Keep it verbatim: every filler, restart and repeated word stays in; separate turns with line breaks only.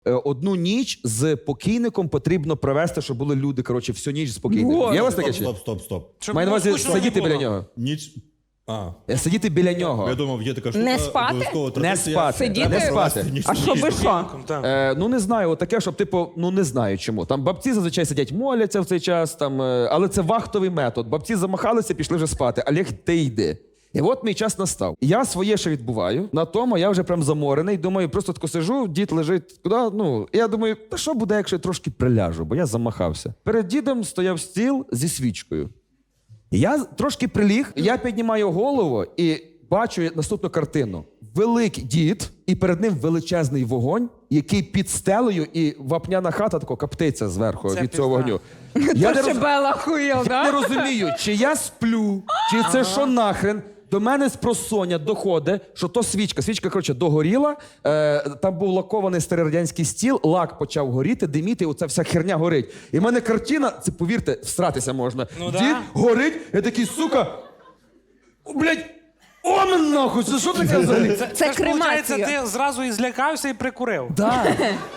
Е, Одну ніч з покійником потрібно провести, щоб були люди, коротше, всю ніч з покійником. Є у вас таке?
Стоп,
чи?
стоп, стоп, стоп.
Щоб
Маю на
було
увазі
скучно не
сидіти
було.
біля нього.
Ніч... А.
Е, Сидіти біля нього.
Я думав, є така штука.
Не спати?
обов'язково
Не
традиція.
спати.
Сидіти?
Не
Провести
спати.
ніч
А
з
що би
покійником.
що?
Так.
Е, ну не знаю, от таке, щоб типу, ну не знаю чому. Там бабці зазвичай сидять, моляться в цей час, там, е, але це вахтовий метод. Бабці замахалися, пішли вже спати. Олег, ти йди. І от мій час настав. Я своє ще відбуваю. На тому я вже прям заморений. Думаю, просто тако сижу, дід лежить куди. Ну, і я думаю, та що буде, якщо я трошки приляжу, бо я замахався. Перед дідом стояв стіл зі свічкою. Я трошки приліг, я піднімаю голову і бачу наступну картину. Великий дід, і перед ним величезний вогонь, який під стелею, і вапняна хата тако коптиться зверху
Це
від цього
пізда.
вогню. Я не,
Ще
роз...
Бела хуєл,
я не
да?
розумію, чи я сплю, чи це що нахрен. До мене з просоння доходить, що то свічка. Свічка, коротше, догоріла, е, там був лакований старий радянський стіл, лак почав горіти, диміти, оця вся херня горить. І в мене картина, це, повірте, всратися можна.
Ну
Дід
да.
горить, я такий, сука, о, блядь, о, мен нахуй, це що таке взагалі?
Це,
Це
ж, виходить,
кремація.
ти зразу і злякався і прикурив.
Да.